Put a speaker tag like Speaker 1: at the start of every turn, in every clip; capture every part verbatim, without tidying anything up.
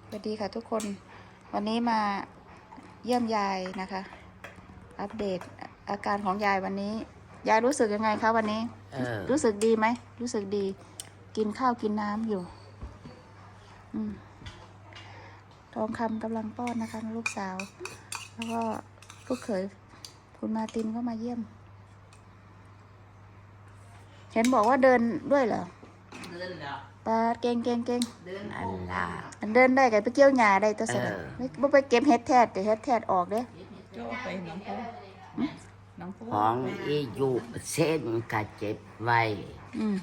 Speaker 1: สวัสดีค่ะทุกคนวันนี้มาเยี่ยมยายนะคะ อัปเดตอาการของยายวันนี้ยายรู้สึกยังไงคะวันนี้รู้สึกดีไหมรู้สึกดีกินข้าวกินน้ำอยู่อืมทองคำกำลังป้อนนะคะลูกสาวแล้วก็ลูกเขยคุณมาตินก็มาเยี่ยมเห็นบอกว่าเดินด้วยเหรอ
Speaker 2: เดินเหรอ
Speaker 1: ปาเก่งเก่งเก่ง
Speaker 2: เดินอันละ
Speaker 1: เดินได้กันไปเกี่ยวหญ้าได้ตัวสนะไม่ไม่ไปเก็บเห็ดแทดแต่เห็ดแทดออกเด้
Speaker 2: โจ้ไปน้องปูน้องปู
Speaker 3: ของอีอยู่เส้นกะเจ็บไว้
Speaker 1: อืม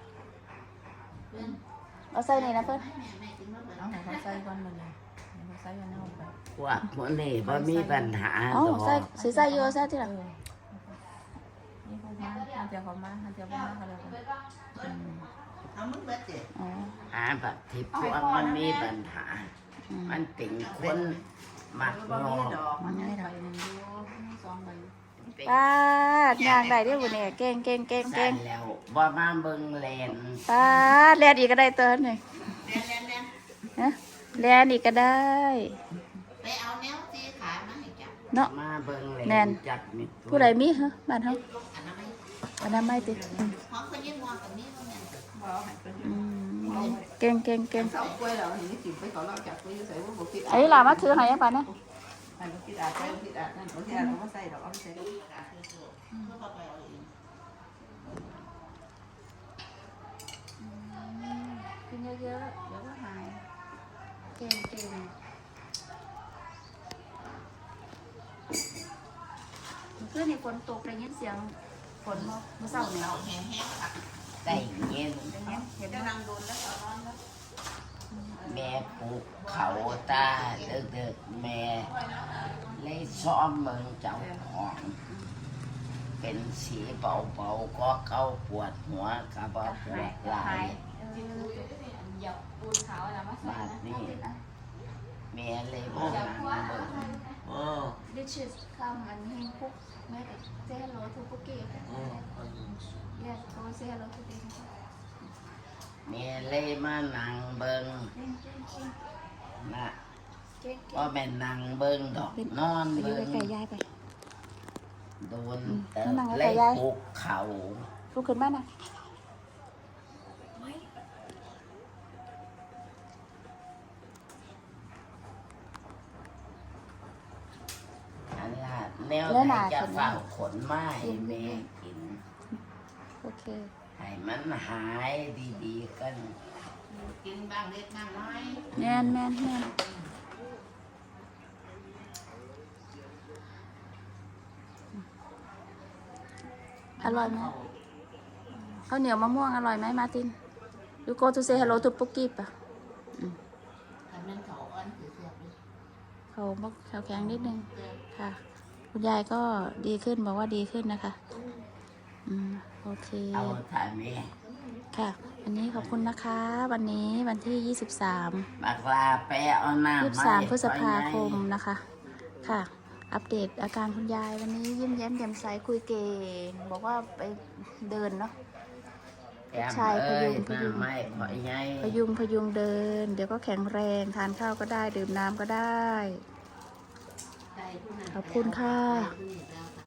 Speaker 1: เอาใส่นี่นะเพื่อน
Speaker 2: เอาของเขาใส่ก่อนมาเลยเขาใส่กันเอาไป
Speaker 3: ว่าคนนี้บ่มีปัญหา
Speaker 1: อ๋อใส่ใส่ใส่โยใส่ที่หลัง
Speaker 2: นี่เขามาเขาจะเขามาเขาจะมาเขาเลยเอามึงเบิดเจ็บ
Speaker 3: หาแบบที่พวกมันมีปัญหามันติ่งคนมักงอ
Speaker 2: มันไม่ได้สองใบ
Speaker 1: ป้ายางได้ด้วยบุเนี่ยเก่งเก่งเก่งเก่ง
Speaker 3: แล้วบ่มาเบิ่งแลน
Speaker 1: ป้าแลนอีกก็ได้เตือนหน่อยฮะแลนอีกก็ได้
Speaker 2: ไปเอาแนวตีขามาให้จับ
Speaker 1: เนาะ
Speaker 3: มาเบิ่งแลนจับมิ
Speaker 1: ผู้ใดมีฮะบ้านเขาอันนั้นไม่ติ
Speaker 2: เขาเคยยืมมอกับนี้เขาเนี่ย
Speaker 1: เก่งเก่งเก่งไอ้หลามาถือให้ป่ะนะ
Speaker 2: ให้มันคิดอาจใส่คิดอาจนั่นคิดอาจเขาไม่ใส่ดอกเอาไปใส่กิ
Speaker 1: นเยอะๆเดี๋ยวก็หายเก่งเก่งเพื่อนในฝนตกได้ยินเสียงฝนเมื่อเช้าเนี่ย
Speaker 2: แห้งแห้งค่ะ
Speaker 3: ได้เย็น
Speaker 2: เห็นนั่งโดนแล้วเขานอนแล้ว
Speaker 3: แม่ปลูกเขาตาเด็กๆแม่เลยซ้อมเมืองเจ้าของเป็นสีเบาๆก็เข้าปวดหัวกับปวดไหล่บาดนี่แม่เลยพวกนั้นเบิ่งโอ้
Speaker 1: This is come and he cook make it say hello to cookie yes go say hello to them
Speaker 3: แม่เลยมานั่งเบิ่งนะก็แม่นั่งเบิ่งดอกนอนเบิ่งโดนเติมเลยปลุกเขา
Speaker 1: ลุกขึ้นมานะ
Speaker 3: อันละแนวไหนจะฝากขนไม้แม่กิน
Speaker 1: โอเค
Speaker 3: ให้มันหายดีๆกัน
Speaker 2: กินบ้างเล็กบ้างน้อย
Speaker 1: แน่นแน่นแน่นอร่อยไหมข้าวเหนียวมะม่วงอร่อยไหมมาติน You go to say hello to Pookie ป่ะเขาบอกเขาแข็งนิดนึงค่ะคุณยายก็ดีขึ้นบอกว่าดีขึ้นนะคะอืมโอเค
Speaker 3: เอาถ่ายแม่
Speaker 1: ค่ะวันนี้ขอบคุณนะคะวันนี้วันที่ยี่สิบสาม
Speaker 3: บักลาไปเอาน้ำ
Speaker 1: ยี่สิบสามพฤษภาคมนะคะค่ะอัปเดตอาการคุณยายวันนี้ยิ้มแย้มแจ่มใสคุยเก่งบอกว่าไปเดินเนาะชายพยุงพยุงพยุงพยุงเดินเดี๋ยวก็แข็งแรงทานข้าวก็ได้ดื่มน้ำก็ได้ขอบคุณค่ะ